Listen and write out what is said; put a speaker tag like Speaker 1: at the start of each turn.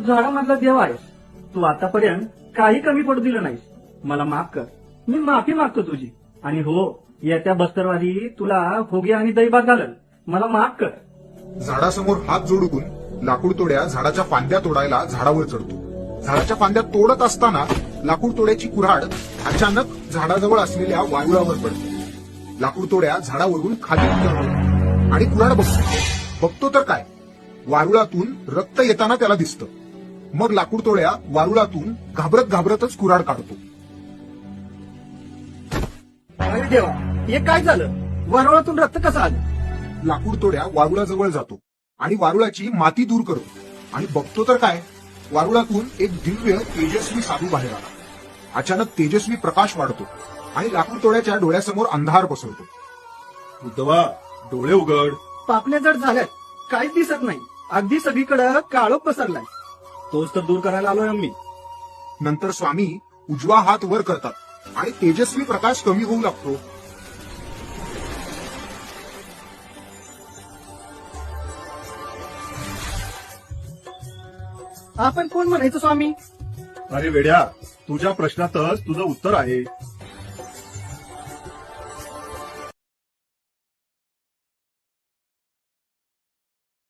Speaker 1: झाडामधला देव आहेस. तू आतापर्यंत काही कमी पडू दिलं नाहीस. मला माफ कर. मी माफी मागतो तुझी. आणि हो, येत्या बस्तरवारी तुला होगे आणि दैवात घालल. मला माफ कर.
Speaker 2: झाडासमोर हात जोडून लाकूड तोड्या झाडाच्या फांद्या तोडायला झाडावर चढतो. झाडाच्या फांद्या तोडत असताना लाकूड तोड्याची कुऱ्हाड अचानक झाडाजवळ असलेल्या वारुळावर पडते. लाकूड तोड्या झाडावरून खाली उतरतो आणि कुऱ्हाड बघतो तर काय, वारुळातून रक्त येताना त्याला दिसतं. मग लाकूड तोड्या वारुळातून घाबरतच कुऱ्हाड काढतो.
Speaker 1: अरे देवा, हे काय झालं? वारुळातून रक्त कसं आलं?
Speaker 2: लाकूड तोड्या वारुळाजवळ जातो आणि वारुळाची माती दूर करतो आणि बघतो तर काय, वारुळातून एक दिव्य तेजस्वी साधू बाहेर आला. अचानक तेजस्वी प्रकाश वाढतो आणि लाकूड तोड्याच्या डोळ्यासमोर अंधार पसरतो.
Speaker 3: उद्धवा, डोळे उघड.
Speaker 1: पापण्या जड झाल्यात. काहीच दिसत नाही. अगदी सगळीकडे काळोख पसरलाय. तोच तर दूर करायला आलोय आम्ही.
Speaker 2: नंतर स्वामी उजवा हात वर करतात आणि तेजस्वी प्रकाश कमी होऊ लागतो.
Speaker 1: आपण कोण म्हणायचं स्वामी?
Speaker 3: अरे वेड्या, तुझ्या प्रश्नातच तुझं उत्तर आहे.